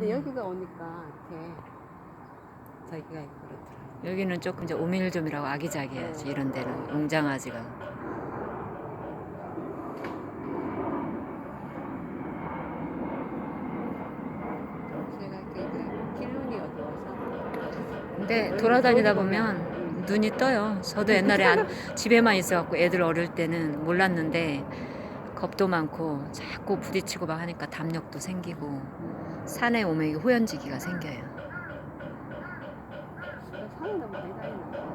근데 여기가 오니까 이렇게 저기가 있고 그렇더라고요. 여기는 조금 이제 오밀조밀하고 아기자기하지. 이런 데는 웅장하지가. 제가 이렇게 길눈이 어두워서. 근데 돌아다니다 보면 눈이 떠요. 저도 옛날에 집에만 있어갖고 애들 어릴 때는 몰랐는데 겁도 많고 자꾸 부딪히고 막 하니까 담력도 생기고 산에 오면 이게 호연지기가 생겨요. 산에 너무 많이 다니는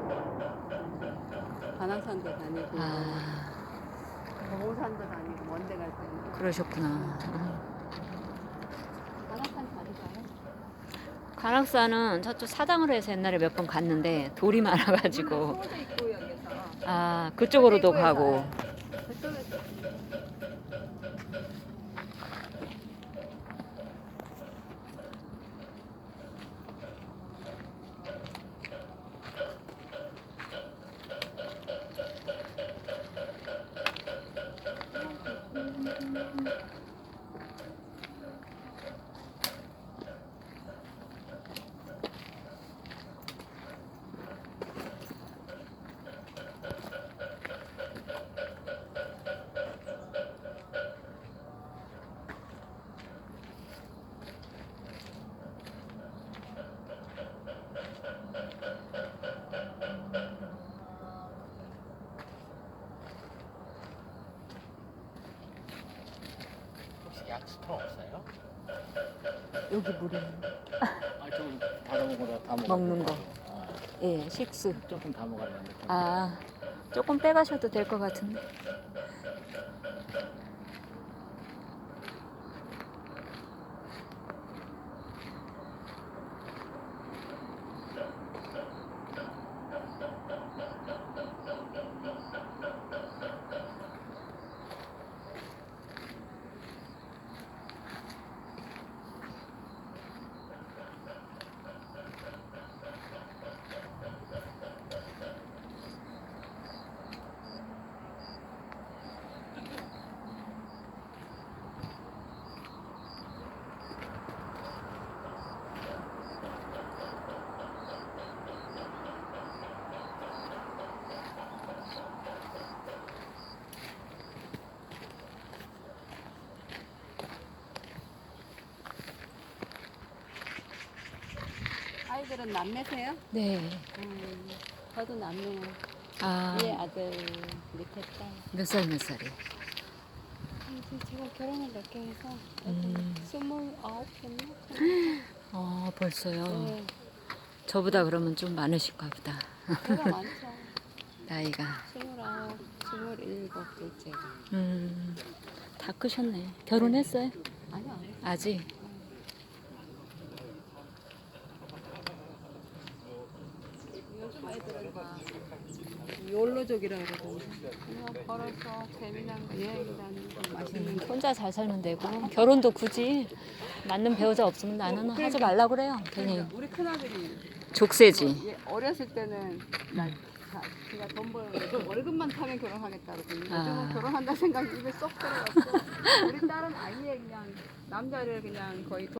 관악산도 다니고 도봉산도 다니고 먼데 갈 때는. 그러셨구나. 관악산 자주 가요? 관악산은 저쪽 사당으로 해서 옛날에 몇 번 갔는데 돌이 많아가지고 서울도 있고 여기서. 그쪽으로도 가고. 그쪽에서. 약수터 없어요? 여기 물에 좀 다른 거다 다 먹는 거. 예, 식수. 조금 다 먹었는데. 조금 빼가셔도 될 것 같은데. 아이들은 남매세요? 네. 저도 남매예요. 아, 위에 아들, 밑에 딸. 몇 살 몇 살이? 제가 결혼을 늦게 해서 29였나? 벌써요. 네, 저보다 그러면 좀 많으실까 보다. 제가 많죠. 나이가. 29, 27둘째가. 다 크셨네. 결혼했어요? 아니요, 안 했어요. 아직? 요즘 아이들은 다 욜로족이라 그러던데. 그냥 걸어서 재미난 거, 여행 다니는 거, 맛있는 거. 혼자 잘 살면 되고 결혼도 굳이 맞는 배우자 없으면 나는 하지 말라 그래요. 괜히 그러니까 우리 큰아들이 족쇄지. 얘 어렸을 때는 그냥 돈 벌고 월급만 타면 결혼하겠다 그러더니 요즘은 결혼한다 생각이 입에 쏙 들어갔고 우리 딸은 아예 그냥 남자를 그냥 거의